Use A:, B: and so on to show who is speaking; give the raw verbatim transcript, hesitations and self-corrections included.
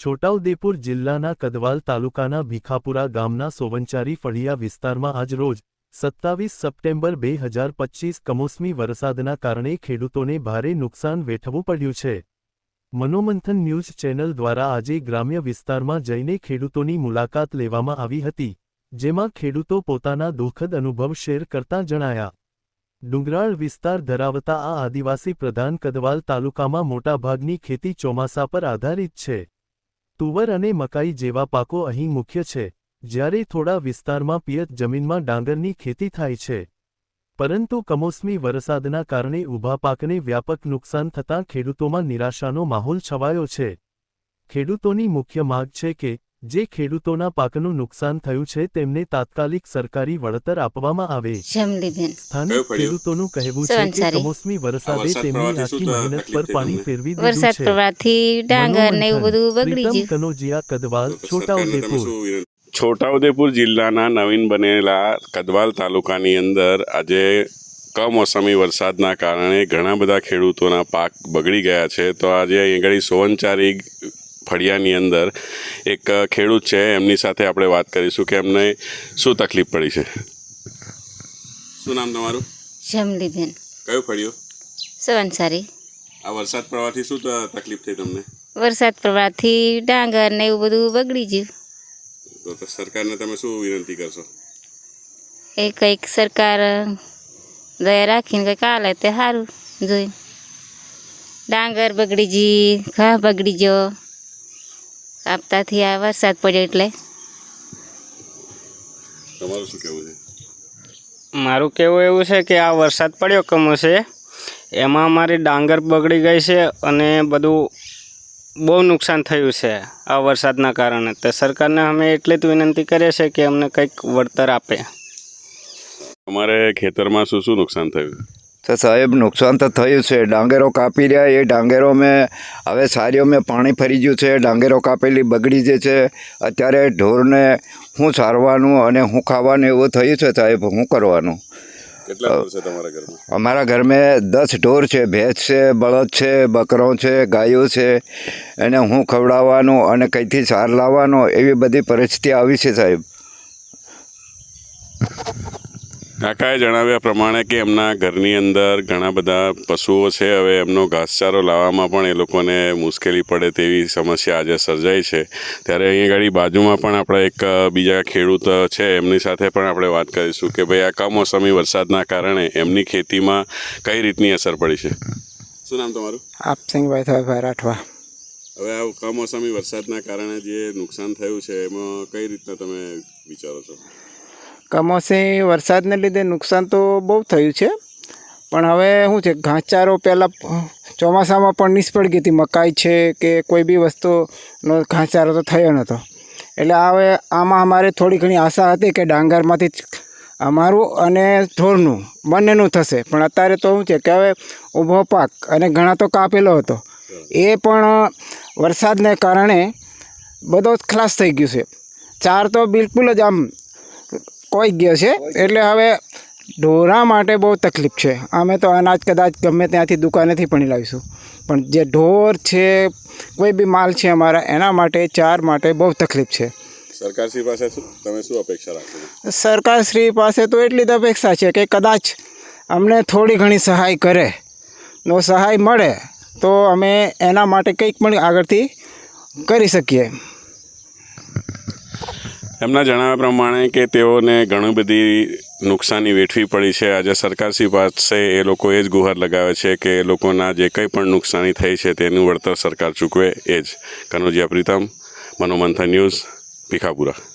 A: છોટાઉદેપુર જિલ્લાના કદવાલ તાલુકાના ભીખાપુરા ગામના સોવંચારી ફળિયા વિસ્તારમાં આજ રોજ સત્તાવીસ સપ્ટેમ્બર બે હજાર પચીસ કમોસમી વરસાદના કારણે ખેડૂતોને ભારે નુકસાન વેઠવું પડ્યું છે। મનોમંથન ન્યૂઝ ચેનલ દ્વારા આજે ગ્રામ્ય વિસ્તારમાં જઈને ખેડૂતોની મુલાકાત લેવામાં આવી હતી, જેમાં ખેડૂતો પોતાના દુઃખદ અનુભવ શેર કરતા જણાયા। ડુંગરાળ વિસ્તાર ધરાવતા આ આદિવાસી પ્રધાન કદવાલ તાલુકામાં મોટાભાગની ખેતી ચોમાસા પર આધારિત છે। તુવર અને મકાઈ જેવા પાકો અહીં મુખ્ય છે, જ્યારે થોડા વિસ્તારમાં પિયત જમીનમાં ડાંગરની ખેતી થાય છે। પરંતુ કમોસમી વરસાદના કારણે ઊભા પાકને વ્યાપક નુકસાન થતાં ખેડૂતોમાં નિરાશાનો માહોલ છવાયો છે। ખેડૂતોની મુખ્ય માંગ છે કે જે ખેડૂતોના પાકનું નુકસાન થયું છે તેમને તાત્કાલિક સરકારી વળતર આપવામાં આવે। સ્થાનિક ખેડૂતોનું કહેવું છે કે કમોસમી વરસાદે તેમની આખી મહેનત પર પાણી ફેરવી દીધું છે। પ્રીતમ કનોજિયા, કદવાલ, છોટાઉદેપુર।
B: છોટાઉદેપુર જિલ્લાના નવીન બનેલા કદવાલ તાલુકાની અંદર આજે કમોસમી વરસાદના કારણે ઘણા બધા ખેડૂતોના પાક બગડી ગયા છે। તો આજે અહીં આગળ સોવંચારી ફળિયાની અંદર એક ખેડૂત છે, એમની સાથે આપણે વાત કરીશું કે એમને શું તકલીફ પડી છે। શું નામ તમારું?
C: જમલીબેન।
B: કયું ફળિયું?
C: સોવંચારી।
B: આ વરસાદ પડવાથી શું તકલીફ થઈ તમને?
C: વરસાદ પડવાથી ડાંગર ને એવું બધું બગડી ગયું।
B: તો સરકારને તમે શું વિનંતી કરશો?
C: એ કંઈક સરકાર દયા રાખીને કંઈક હાલે તે સારું જોઈ। ડાંગર બગડી ગઈ, ઘા બગડી ગયો આપતાથી આ વરસાદ પડ્યો એટલે।
B: તમારું શું કહેવું છે?
D: મારું કહેવું એવું છે કે આ વરસાદ પડ્યો કમોસમે એમાં અમારી ડાંગર બગડી ગઈ છે અને બધું બહુ નુકસાન થયું છે આ વરસાદના કારણે। તો સરકારને અમે એટલી જ વિનંતી કરીએ છીએ કે અમને કંઈક વળતર આપે।
B: અમારે ખેતરમાં શું શું નુકસાન થયું?
E: તો સાહેબ નુકસાન તો થયું છે। ડાંગરો કાપી રહ્યા, એ ડાંગરો મેં હવે સારીઓ મેં પાણી ફરી ગયું છે, ડાંગરો કાપેલી બગડી જાય છે। અત્યારે ઢોરને શું સારવાનું અને શું ખાવાનું એવું થયું છે સાહેબ, શું કરવાનું?
B: કેટલા ઢોર છે તમારા ઘરમાં?
E: અમારા ઘરમાં દસ ઢોર છે, ભેંસ છે, બળદ છે, બકરો છે, ગાયો છે, એને હું ખવડાવવાનું અને કંઈથી સાર લાવવાનો એવી બધી પરિસ્થિતિ આવી છે સાહેબ।
B: કાકાએ જણાવ્યા પ્રમાણે કે એમના ઘરની અંદર ઘણા બધા પશુઓ છે, હવે એમનો ઘાસચારો લાવવામાં પણ એ લોકોને મુશ્કેલી પડે તેવી સમસ્યા આજે સર્જાઈ છે। ત્યારે અહીં આગળ બાજુમાં પણ આપણે એક બીજા ખેડૂત છે, એમની સાથે પણ આપણે વાત કરીશું કે ભાઈ આ કમોસમી વરસાદના કારણે એમની ખેતીમાં કઈ રીતની અસર પડી છે। શું નામ તમારું?
F: આપસિંગભાઈ થવાભાઈ રાઠવા।
B: હવે આ કમોસમી વરસાદના કારણે જે નુકસાન થયું છે એમાં કઈ રીતના તમે વિચારો છો?
F: કમોસમી વરસાદને લીધે નુકસાન તો બહુ થયું છે, પણ હવે શું છે ઘાસચારો પહેલાં ચોમાસામાં પણ નિષ્ફળ ગઈ હતી, મકાઈ છે કે કોઈ બી વસ્તુનો ઘાસચારો તો થયો નહોતો। એટલે હવે આમાં અમારે થોડી ઘણી આશા હતી કે ડાંગરમાંથી અમારું અને ઢોરનું બંનેનું થશે, પણ અત્યારે તો શું છે કે હવે ઊભો પાક અને ઘણા તો કાપેલો હતો, એ પણ વરસાદને કારણે બધો જ ખલાસ થઈ ગયું છે। ચાર તો બિલકુલ જ આમ કોઈ ગયો છે, એટલે હવે ઢોરા માટે બહુ તકલીફ છે। અમે તો અનાજ કદાચ ગમે ત્યાંથી દુકાનેથી પણ લાવીશું, પણ જે ઢોર છે, કોઈ બી માલ છે અમારા, એના માટે ચાર માટે બહુ તકલીફ છે।
B: સરકારશ્રી પાસે તમે શું અપેક્ષા રાખો?
F: સરકારશ્રી પાસે તો એટલી જ અપેક્ષા છે કે કદાચ અમને થોડી ઘણી સહાય કરે, નો સહાય મળે તો અમે એના માટે કંઈક પણ આગળથી કરી શકીએ।
B: એમના જણાવ્યા પ્રમાણે કે તેઓને ઘણી બધી નુકસાની વેઠવી પડી છે। આજે સરકારશ્રી પાસે એ લોકો એ જ ગુહાર લગાવે છે કે એ લોકોના જે કંઈ પણ નુકસાની થઈ છે તેનું વળતર સરકાર ચૂકવે એ જ। કનોજિયા પ્રીતમ, મનોમંથન ન્યૂઝ, ભીખાપુરા।